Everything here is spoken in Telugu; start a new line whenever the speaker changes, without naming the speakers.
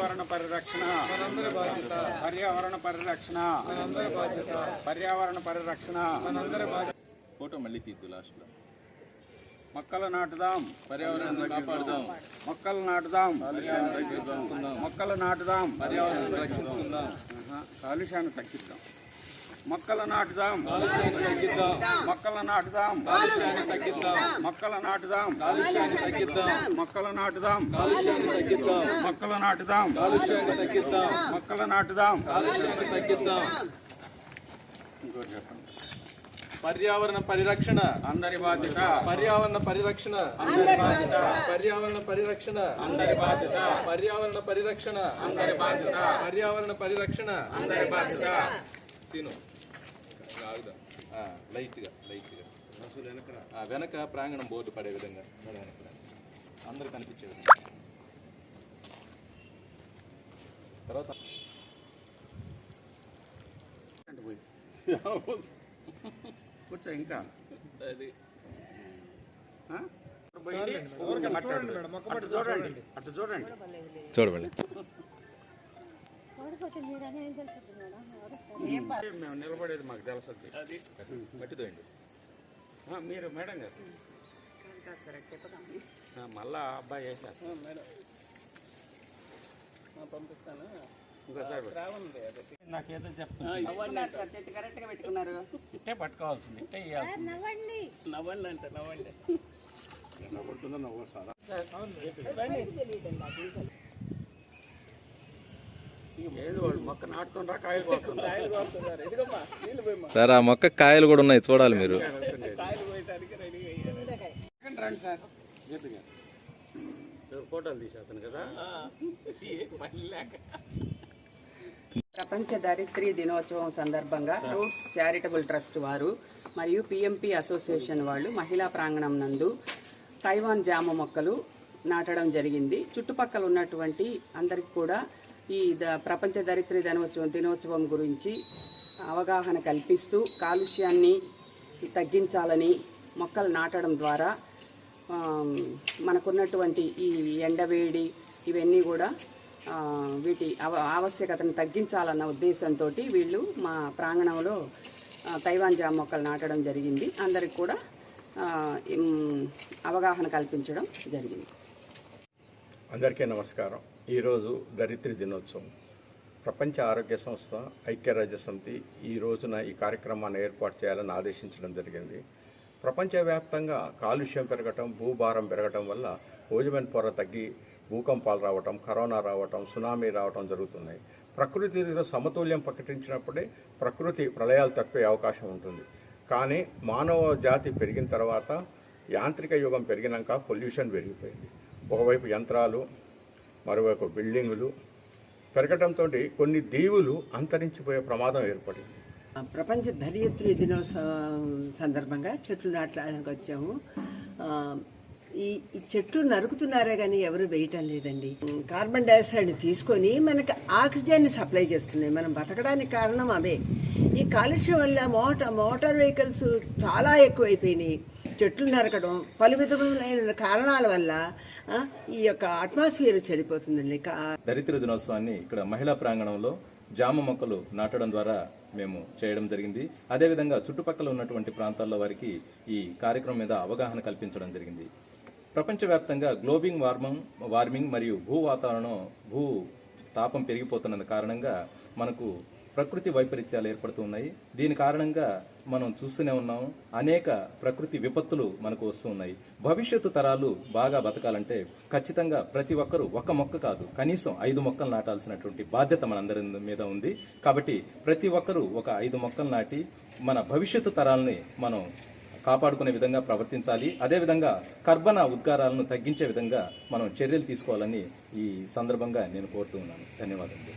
పర్యావరణ పరిరక్షణ మనందరి బాధ్యత. పర్యావరణ పరిరక్షణ మనందరి బాధ్యత. పర్యావరణ పరిరక్షణ మనందరి బాధ్యత.
ఫోటో మళ్ళీ తీద్దు లాస్ట్లో.
మొక్కలు నాటుదాం,
పర్యావరణాన్ని కాపాడుదాం.
మొక్కలు నాటుదాం, మొక్కలు నాటుదాం,
పర్యావరణాన్ని రక్షించుకుందాం.
కాలుష్యాన్ని తగ్గిద్దాం. మొక్కలు నాటుదాం,
తగ్గిద్దాం.
మొక్కలు నాటుదాం,
తగ్గిద్దాం.
మొక్కలు నాటుదాం,
తగ్గిద్దాం.
మొక్కలు నాటుదాం,
తగ్గిద్దాం.
మొక్కలు నాటుదాం,
తగ్గిద్దాం.
మొక్కలు నాటుదాం.
తగ్గిద్దాం.
ఇంకోటి చెప్పండి.
పర్యావరణ పరిరక్షణ
అందరి బాధ్యత.
పర్యావరణ పరిరక్షణ
అందరి బాధ్యత.
పర్యావరణ పరిరక్షణ
అందరి బాధ్యత.
పర్యావరణ పరిరక్షణ
అందరి బాధ్యత.
పర్యావరణ పరిరక్షణ
అందరి బాధ్యత.
సీను లైట్గా వెనక ప్రాంగణం బోర్డు పడే విధంగా అందరూ కనిపించే విధంగా. తర్వాత
కూర్చో. ఇంకా
అది
చూడండి, అటు చూడండి.
చూడమండి.
మేము నిలబడేది మాకు తెలుస్తుంది.
అది మట్టిదోయండి.
మీరు మేడం గారు మళ్ళా అబ్బాయి వేసారు.
మేడం పంపిస్తాను.
ఇంకోసారి నాకేదో చెప్తాను. ఇట్టే పట్టుకోవాల్సింది, ఇట్టే వేయాల్సింది.
నవ్వండి అంటే నవ్వండి.
ఏది వాళ్ళు మొక్క నాటుతుండ్రా, కాయలు కోస్తుండ్రా?
సార్ ఆ మొక్క కాయలు కూడా ఉన్నాయి, చూడాలి మీరు.
రండి సార్, చేతుగా ఫోటోలు తీసేస్తాను కదా.
ప్రపంచ ధరిత్రీ దినోత్సవం సందర్భంగా రూట్స్ చారిటబుల్ ట్రస్ట్ వారు మరియు పిఎంపి అసోసియేషన్ వాళ్ళు మహిళా ప్రాంగణం నందు తైవాన్ జామ మొక్కలు నాటడం జరిగింది. చుట్టుపక్కల ఉన్నటువంటి అందరికి కూడా ఈ ప్రపంచ ధరిత్రీ దినోత్సవం గురించి అవగాహన కల్పిస్తూ కాలుష్యాన్ని తగ్గించాలని మొక్కలు నాటడం ద్వారా మనకున్నటువంటి ఈ ఎండవేడి ఇవన్నీ కూడా వీటి ఆవశ్యకతను తగ్గించాలన్న ఉద్దేశంతో వీళ్ళు మా ప్రాంగణంలో తైవాన్ జామ మొక్కలు నాటడం జరిగింది. అందరికి కూడా అవగాహన కల్పించడం జరిగింది.
అందరికీ నమస్కారం. ఈరోజు ధరిత్రి దినోత్సవం. ప్రపంచ ఆరోగ్య సంస్థ, ఐక్యరాజ్య సమితి ఈ రోజున ఈ కార్యక్రమాన్ని ఏర్పాటు చేయాలని ఆదేశించడం జరిగింది. ప్రపంచవ్యాప్తంగా కాలుష్యం పెరగటం, భూభారం పెరగటం వల్ల ఓజోన్ పొర తగ్గి భూకంపాలు రావటం, కరోనా రావటం, సునామీ రావటం జరుగుతున్నాయి. ప్రకృతిలో సమతుల్యం ప్రకటించినప్పుడే ప్రకృతి ప్రళయాలు తప్పే అవకాశం ఉంటుంది. కానీ మానవ జాతి పెరిగిన తర్వాత యాంత్రిక యుగం పెరిగినాక పొల్యూషన్ పెరిగిపోయింది. ఒకవైపు యంత్రాలు, మరోవైపు బిల్డింగులు పెరగటంతో కొన్ని దీవులు అంతరించిపోయే ప్రమాదం ఏర్పడింది.
ప్రపంచ ధరిత్రీ దినోత్సవం సందర్భంగా చెట్లు నాటడానికి వచ్చాము. ఈ చెట్లు నరుకుతున్నారే కానీ ఎవరు వేయటం లేదండి. కార్బన్ డైఆక్సైడ్ తీసుకొని మనకు ఆక్సిజన్ని సప్లై చేస్తున్నాయి. మనం బతకడానికి కారణం అవే. ఈ కాలుష్యం వల్ల మోటార్ వెహికల్స్ చాలా ఎక్కువైపోయినాయి. చెట్లు నరకడం, పలు విధములైన కారణాల వల్ల ఈ యొక్క అట్మాస్ఫియర్ చెడిపోతుందండి.
ధరిత్రి దినోత్సవాన్ని ఇక్కడ మహిళా ప్రాంగణంలో జామ మొక్కలు నాటడం ద్వారా మేము చేయడం జరిగింది. అదేవిధంగా చుట్టుపక్కల ఉన్నటువంటి ప్రాంతాల్లో వారికి ఈ కార్యక్రమం మీద అవగాహన కల్పించడం జరిగింది. ప్రపంచవ్యాప్తంగా గ్లోబల్ వార్మింగ్ మరియు భూ తాపం పెరిగిపోతున్న కారణంగా మనకు ప్రకృతి వైపరీత్యాలు ఏర్పడుతున్నాయి. దీని కారణంగా మనం చూస్తూనే ఉన్నాం, అనేక ప్రకృతి విపత్తులు మనకు వస్తూ ఉన్నాయి. భవిష్యత్తు తరాలు బాగా బతకాలంటే ఖచ్చితంగా ప్రతి ఒక్కరూ ఒక మొక్క కాదు, కనీసం 5 మొక్కలు నాటాల్సినటువంటి బాధ్యత మనందరి మీద ఉంది. కాబట్టి ప్రతి ఒక్కరూ ఒక 5 మొక్కలు నాటి మన భవిష్యత్తు తరాలని మనం కాపాడుకునే విధంగా ప్రవర్తించాలి. అదేవిధంగా కర్బన ఉద్గారాలను తగ్గించే విధంగా మనం చర్యలు తీసుకోవాలని ఈ సందర్భంగా నేను కోరుతూ ఉన్నాను. ధన్యవాదాలు.